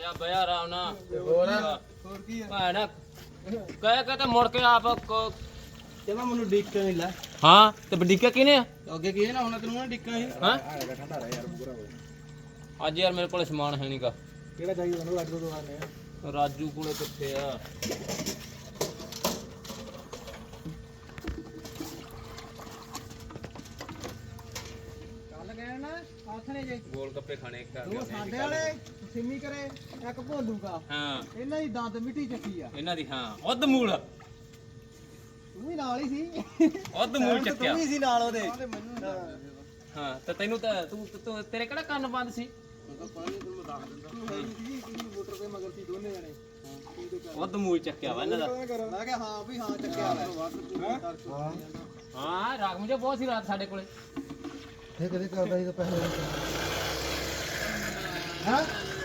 ਜਾ ਬਿਆ ਆਰਾਮ ਨਾਲ ਹੋਰ ਕੀ ਆ ਭੈਣ ਕਹਿ ਕੇ ਤੇ ਮੁੜ ਕੇ ਆਪ ਜਮਾ ਮੈਨੂੰ ਡਿੱਕਾ ਨਹੀਂ ਲੈ ਹਾਂ ਤੇ ਬਡੀਕਾ ਕਿਹਨੇ ਆ ਅੱਗੇ ਕੀ ਨਾ ਹੁਣ ਤੈਨੂੰ ਨਾ ਡਿੱਕਾ ਸੀ ਹਾਂ ਠੰਡਾ ਰਹਿ ਯਾਰ ਪੂਰਾ ਅੱਜ ਯਾਰ ਮੇਰੇ ਕੋਲ ਸਮਾਨ ਹੈ ਨਹੀਂਗਾ ਕਿਹੜਾ ਚਾਹੀਦਾ ਤੁਹਾਨੂੰ ਅੱਜ ਤੋਂ ਆਨੇ ਆ ਰਾਜੂ ਕੋਲੇ ਕਿੱਥੇ ਆ ਕੱਲ ਗਏ ਨਾ ਆਥਣੇ ਜੇ ਗੋਲ ਗੱਪੇ ਖਾਣੇ ਇੱਕ ਉਹ ਸਾਡੇ ਵਾਲੇ ਸਿੰਮੀ ਕਰੇ ਇੱਕ ਭੋਲੂਗਾ ਹਾਂ ਇਹਨਾਂ ਦੀ ਦੰਦ ਮਿੱਟੀ ਚੱਕੀ ਆ ਇਹਨਾਂ ਦੀ ਹਾਂ ਉਦ ਮੂਲ ਤੂੰ ਵੀ ਨਾਲ ਹੀ ਸੀ ਉਦ ਮੂਲ ਚੱਕਿਆ ਤੂੰ ਵੀ ਸੀ ਨਾਲ ਉਹਦੇ ਹਾਂ ਤੇ ਤੈਨੂੰ ਤਾਂ ਤੂੰ ਤੇਰੇ ਕਿਹੜਾ ਕੰਨ ਬੰਦ ਸੀ ਉਦ ਮੂਲ ਚੱਕਿਆ ਵਾ ਇਹਨਾਂ ਦਾ ਮੈਂ ਕਿਹਾ ਹਾਂ ਵੀ ਹਾਂ ਚੱਕਿਆ ਵਾ ਹਾਂ ਰਾਗ ਮੁਝੇ ਬਹੁਤ ਸੀ ਰਾਤ ਸਾਡੇ ਕੋਲੇ ਇਹ ਕਦੇ ਕਰਦਾ ਸੀ ਤਾਂ ਪਹਿਲੇ ਹਾਂ